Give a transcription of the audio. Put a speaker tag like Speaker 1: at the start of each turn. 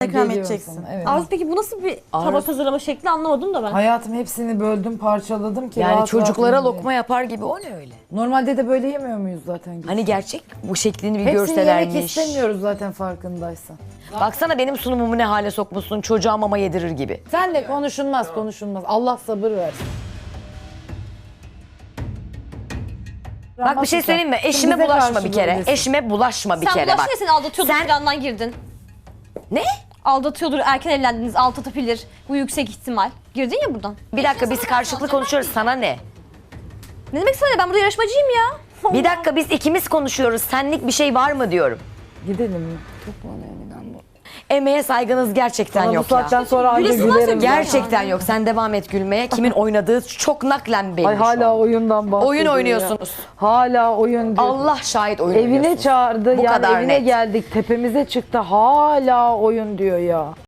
Speaker 1: ikram
Speaker 2: Geliyor
Speaker 1: edeceksin.
Speaker 2: sana, evet.
Speaker 3: Arzu peki bu nasıl bir tabak hazırlama şekli anlamadım da ben.
Speaker 2: Hayatım hepsini böldüm, parçaladım ki
Speaker 4: Yani
Speaker 2: rahat
Speaker 4: çocuklara
Speaker 2: rahat
Speaker 4: lokma yapar gibi o ne öyle?
Speaker 2: Normalde de böyle yemiyor muyuz zaten?
Speaker 4: Hani gerçek bu şeklini bir
Speaker 2: Hepsini yemek
Speaker 4: görselermiş.
Speaker 2: istemiyoruz zaten farkındaysan.
Speaker 4: Baksana benim sunumumu ne hale sokmuşsun, çocuğa mama yedirir gibi.
Speaker 2: Sen de konuşulmaz. Allah sabır versin.
Speaker 4: Bak bir şey söyleyeyim mi? Eşime
Speaker 2: bize
Speaker 4: bulaşma
Speaker 2: karşı
Speaker 4: bir kere.
Speaker 2: böylesin.
Speaker 4: Eşime bulaşma bir
Speaker 3: Sen
Speaker 4: kere
Speaker 3: bulaşma
Speaker 4: bak.
Speaker 3: seni aldatıyordur
Speaker 4: Sen-
Speaker 3: plandan girdin.
Speaker 4: Ne?
Speaker 3: Aldatıyordur, erken evlendiniz, aldatabilir. Bu yüksek ihtimal. Girdin ya buradan.
Speaker 4: Bir dakika biz karşılıklı konuşuyoruz, sana ne?
Speaker 3: Ne demek sana ya? Ben burada yarışmacıyım ya.
Speaker 4: Bir dakika biz ikimiz konuşuyoruz, senlik bir şey var mı diyorum.
Speaker 2: Gidelim mi?
Speaker 4: Emeğe saygınız gerçekten
Speaker 2: Ama bu
Speaker 4: yok ya.
Speaker 2: saatten sonra anca
Speaker 3: Gülesin lan
Speaker 2: gülerim.
Speaker 3: sen.
Speaker 4: Gerçekten yok. Sen devam et gülmeye. Kimin oynadığı çok naklen belli
Speaker 2: Ay
Speaker 4: şu an.
Speaker 2: hala oyundan bahsediyor
Speaker 4: Oyun
Speaker 2: ya.
Speaker 4: oynuyorsunuz.
Speaker 2: Hala oyun diyor.
Speaker 4: Allah şahit oyun
Speaker 2: Evine
Speaker 4: oynuyorsunuz.
Speaker 2: çağırdı
Speaker 4: Bu
Speaker 2: yani
Speaker 4: kadar
Speaker 2: evine
Speaker 4: net.
Speaker 2: geldik tepemize çıktı hala oyun diyor ya.